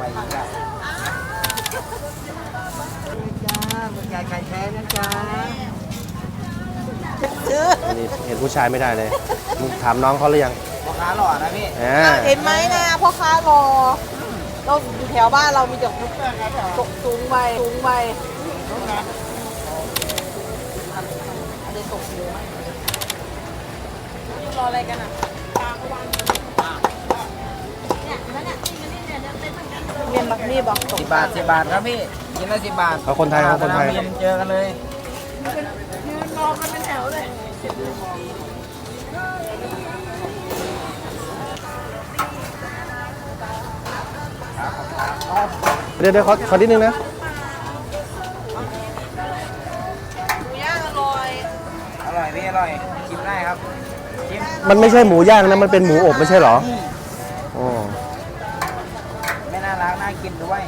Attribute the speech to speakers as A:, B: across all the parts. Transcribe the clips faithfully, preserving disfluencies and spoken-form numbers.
A: อีกแล้วจ้าคุณยายไข่แท้นะจ๊ะ
B: อันนี้เห็นผู้ชายไม่ได้เลยมึงถามน้องเขาหรือยัง
A: พ่อค้าหล่อนะพี่
C: เห็นไหมนะพ่อค้ารอเราอยู่แถวบ้านเรามีแต่ตกสูงไปสูงไปอะไรตกเยอะรออะไรกันอ่ะเมียนบักนี่บอก
A: สิบบาทสิบบาทครับพี่กินละสิบบาท
B: เขาคนไทยเขาคนไทย
A: เจอกันเลย
C: ยืนมองกันเป็นแถวเลย
B: เดี๋ยวเดี๋ยวขอขอนิดนึงนะ
C: หมูย่างอร่อย
A: อร่อยพี่อร่อยชิมได้ครับชิม
B: มันไม่ใช่หมูย่างนะมันเป็นหมูอบไม่ใช่เหรออ๋อ
A: ไม่น่ารักน่ากินด้วย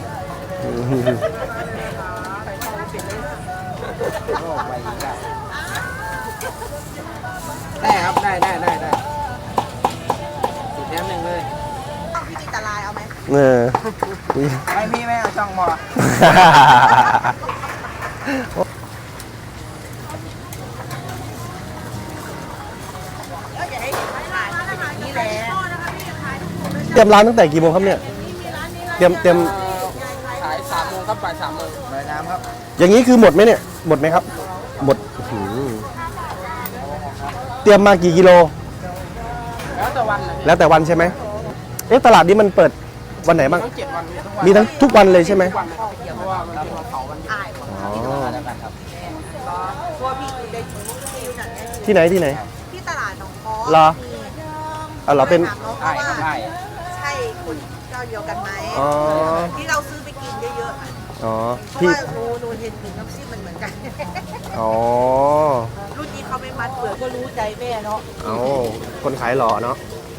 A: ได้ครับได้ได้ได้ได้สิบแถมหนึ่งเลย
C: พี่ตาลายเอาไหม
B: เออ
A: ไม่มีไม่เอาช่องหมอ
B: เตรียมร้านตั้งแต่กี่โมงครับเนี่ยเตรียมเตรียม
A: ขายสามโมงครับบ่ายสามโมงบ่ายน้ำครับ
B: อย่างนี้คือหมดไหมเนี่ยหมดไหมครับหมดเตรียมมากี่กิโล
A: แล้วแต่วัน
B: แล้วแต่วันใช่ไหมเอ๊ะตลาดนี้มันเปิดวันไหนบ้างมีทั้งทุกวันเลยใช่ไหมที่ไหนที่ไหน
C: ที่ตลาดหนองคอ
B: เหรออ๋อเหรอเป็น
A: ใช่ใช่
C: ใช่คนเจ้าเดียวกันไหมที่เราซื้อไปกินเยอะๆ
B: อ๋อ
C: เพราะว่าโนโนเห็นถึงน้ำซิมมันเหมือนกัน
B: อ๋อ
C: รุ่นนี้เขาไม่มัดเปลือกก็รู้ใจแม่เนาะ
B: อ๋อคนขายหล่อเนาะ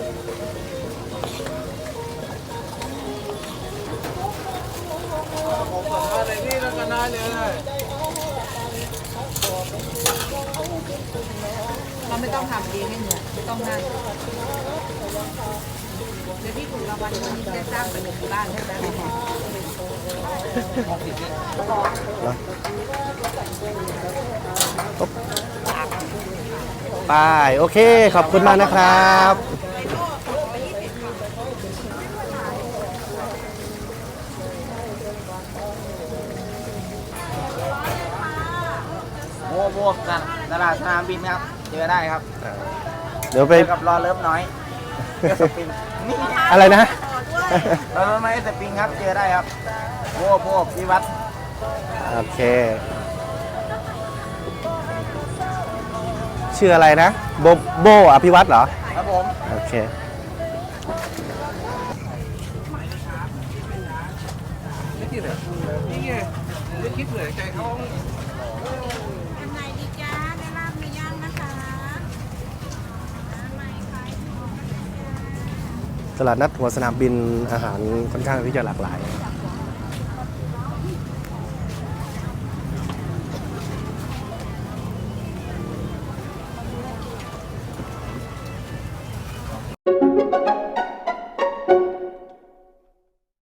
A: ผมสนใจเลยนี่แล้วก็น่าเลย
C: เราไม่ต้องทำเองให้เหนื่อยไม่ต้องนั่งเดี๋ยวพี่ถูกรางวัลวันนี้จะสร้างเป็นหนึ่งบ้านใช่ไหม
B: ไปโอเคขอบคุณมากนะครับ
A: โม่โม่กันตลาดสนามบินครับเจอได้ครับ
B: เดี๋ยวไป
A: กับรอเลิฟน้อย
B: อะไรนะ
A: รอเลิฟน้อยสปริงครับเจอได้ครับโม่โม่พิวัตร
B: โอเคชื่ออะไรนะโบโบอภิวัตรเหรอ
A: ครับผม
B: โอเค
A: นี่ไงนี่ไงไม่คิดเหนื่อยใจเขา
B: ตลาดนัดหัวสนามบินอาหารค่อนข้างที่จะหลากหลาย